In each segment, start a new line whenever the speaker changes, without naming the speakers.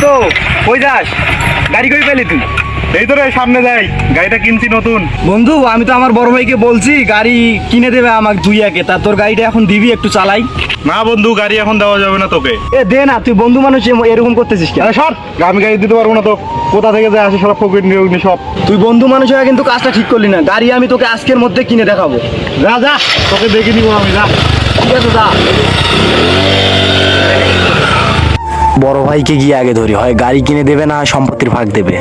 কই যাস? গাড়ি কই পেলি তুই?
এই তো রে সামনে যাই, গাড়িটা কিনছি নতুন।
বন্ধু আমি তো আমার বড় ভাইকে বলছি গাড়ি কিনে দেবে আমাকে 2 তা তোর গাড়িটা এখন দিবি একটু চালাই।
না বন্ধু, গাড়ি এখন দেওয়া যাবে না তোকে।
এ দে না, তুই বন্ধু মানুষ এরকম করতেছিস কেন?
আরে সর, আমি গাড়ি দিতে পারবো না তো। কোথা থেকে যায় আসে সব ফকির নিয়োগ সব।
তুই বন্ধু মানুষ হয়ে কিন্তু কাজটা ঠিক করলি না। গাড়ি আমি তোকে আজকের মধ্যে কিনে দেখাবো।
যা যা, তোকে দেখে নিবো আমি, যা।
ঠিক আছে যা। বড় ভাইকে গিয়ে আগে ধরি, হয় গাড়ি কিনে দেবে না সম্পত্তির ভাগ দেবে।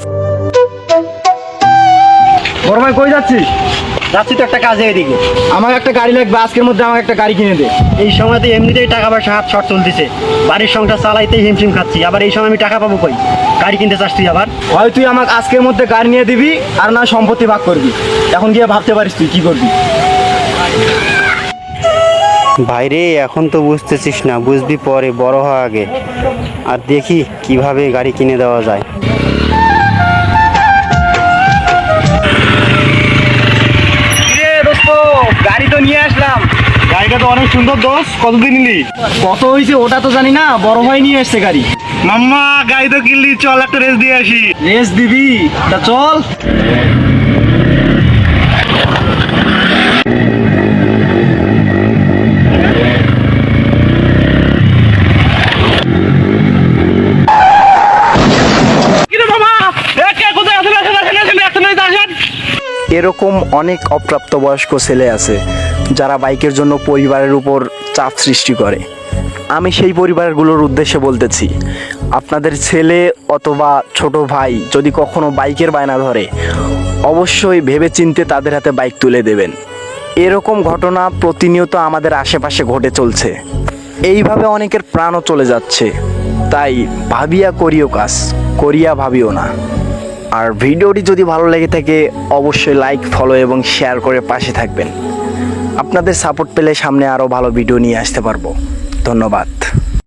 বড় ভাই কই যাচ্ছিস?
যাচ্ছি তো একটা কাজে এদিকে।
আমার একটা গাড়ি লাগবে আজকের মধ্যে, আমার একটা গাড়ি কিনে দে।
এই সময়তে এমনিতেই টাকা পয়সা হাত শর্ট চলতেছে, বাড়ির সংসার চালাইতেই হিমশিম খাচ্ছি, আবার এই সময় আমি টাকা পাবো কই? গাড়ি কিনতে চাস তুই আবার?
হয় তুই আমাকে আজকের মধ্যে গাড়ি নিয়ে দিবি, আর না সম্পত্তি ভাগ করবি। এখন গিয়ে ভাবতে পারিস তুই কি করবি।
ভাইরে এখন তো বুঝতেছিস না, বুঝবি পরে, বড় হওয়া আগে। আর দেখি কিভাবে গাড়ি কিনে দেওয়া যায়।
গাড়ি তো নিয়ে আসলাম।
গাড়িটা তো অনেক সুন্দর দোষ, কতদিন নিলি?
কত হয়েছে ওটা তো জানি না, বড় ভাই নিয়ে এসছে গাড়ি।
মাম্মা গাড়ি তো কিনলি, চল একটা রেস দিয়ে আসি।
রেস দিবি? তা চল। এরকম অনেক অপ্রাপ্তবয়স্ক ছেলে আছে যারা বাইকের জন্য পরিবারের উপর চাপ সৃষ্টি করে। আমি সেই পরিবারগুলোর উদ্দেশ্যে বলতেছি, আপনাদের ছেলে অথবা ছোট ভাই যদি কখনো বাইকের বায়না ধরে, অবশ্যই ভেবেচিন্তে তাদের হাতে বাইক তুলে দেবেন। এরকম ঘটনা প্রতিনিয়ত আমাদের আশেপাশে ঘটে চলছে। এইভাবে অনেকের প্রাণও চলে যাচ্ছে। তাই ভাবিয়া করিও কাজ, করিয়া ভাবিও না। আর ভিডিওটি যদি ভালো লেগে থাকে অবশ্যই লাইক, ফলো এবং শেয়ার করে পাশে থাকবেন। আপনাদের সাপোর্ট পেলে সামনে আরও ভালো ভিডিও নিয়ে আসতে পারবো। ধন্যবাদ।